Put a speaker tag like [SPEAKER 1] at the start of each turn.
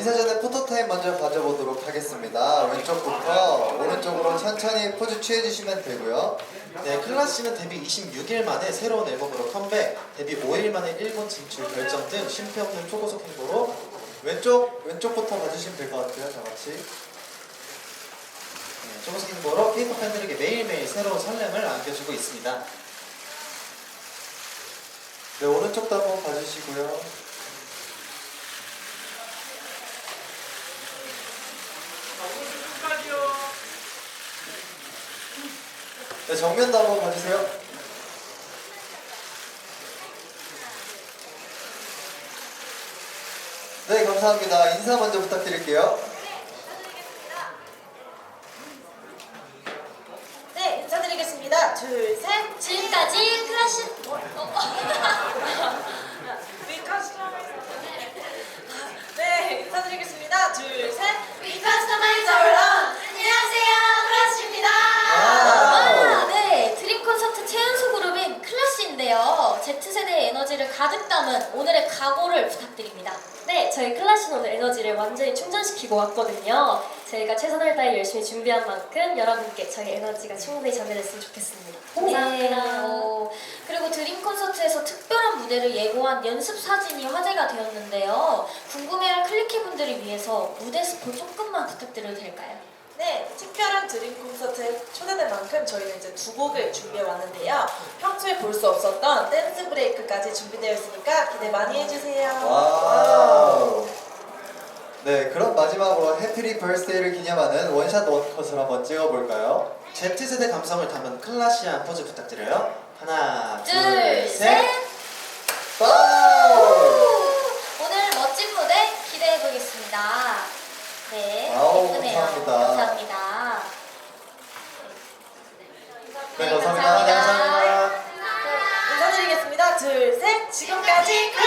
[SPEAKER 1] 인사 전에 포토타임 먼저 가져보도록 하겠습니다. 왼쪽부터 오른쪽으로 천천히 포즈 취해주시면 되고요.
[SPEAKER 2] 네, 클라씨는 데뷔 26일 만에 새로운 앨범으로 컴백, 데뷔 5일 만에 일본 진출 결정 등 쉼표 없는 초고속 행보로
[SPEAKER 1] 왼쪽부터 봐주시면 될 것 같아요. 다 같이.
[SPEAKER 2] 네, 초고속 행보로 K-pop 팬들에게 매일매일 새로운 설렘을 안겨주고 있습니다.
[SPEAKER 1] 네, 오른쪽도 한번 봐주시고요. 네, 정면도 한번 봐주세요. 네, 감사합니다. 인사 먼저 부탁드릴게요.
[SPEAKER 3] 네, 인사드리겠습니다. 둘, 셋.
[SPEAKER 4] 지금까지 클래시
[SPEAKER 3] 네, 인사드리겠습니다. 둘, 셋.
[SPEAKER 4] 위커스터마이저 런 안녕하세요, 클래시입니다. 네, 드림 콘서트 최연소 그룹인 클래시인데요. Z세대의 에너지를 가득 담은 오늘의 각오를 부탁드립니다.
[SPEAKER 5] 네, 저희 클래시는 오늘 에너지를 완전히 충전시키고 왔거든요. 저희가 최선을 다해 열심히 준비한 만큼 여러분께 저희 에너지가 충분히 전해졌으면 좋겠습니다.
[SPEAKER 4] 네. 그리고 드림 콘서트에서 특별한 무대를 예고한 연습 사진이 화제가 되었는데요. 궁금해할 클리키분들을 위해서 무대 스포 조금만 부탁드려도 될까요?
[SPEAKER 3] 네, 특별한 드림 콘서트에 초대된 만큼 저희는 이제 두 곡을 준비해 왔는데요. 평소에 볼 수 없었던 댄스 브레이크까지 준비되어 있으니까 기대 많이 해주세요.
[SPEAKER 1] 와우. 네, 그럼 마지막으로 해피리 버스데이를 기념하는 원샷 원컷을 한번 찍어볼까요?
[SPEAKER 2] Z세대 감성을 담은 클라시한 포즈 부탁드려요. 하나,
[SPEAKER 4] 둘, 셋.
[SPEAKER 1] 와우!
[SPEAKER 4] 오늘 멋진 무대 기대해 보겠습니다. 네,
[SPEAKER 1] 아우,
[SPEAKER 4] 예쁘네요.
[SPEAKER 1] 감사합니다.
[SPEAKER 4] 감사합니다.
[SPEAKER 1] 네, 감사합니다.
[SPEAKER 3] 인사드리겠습니다. 둘, 셋. 지금까지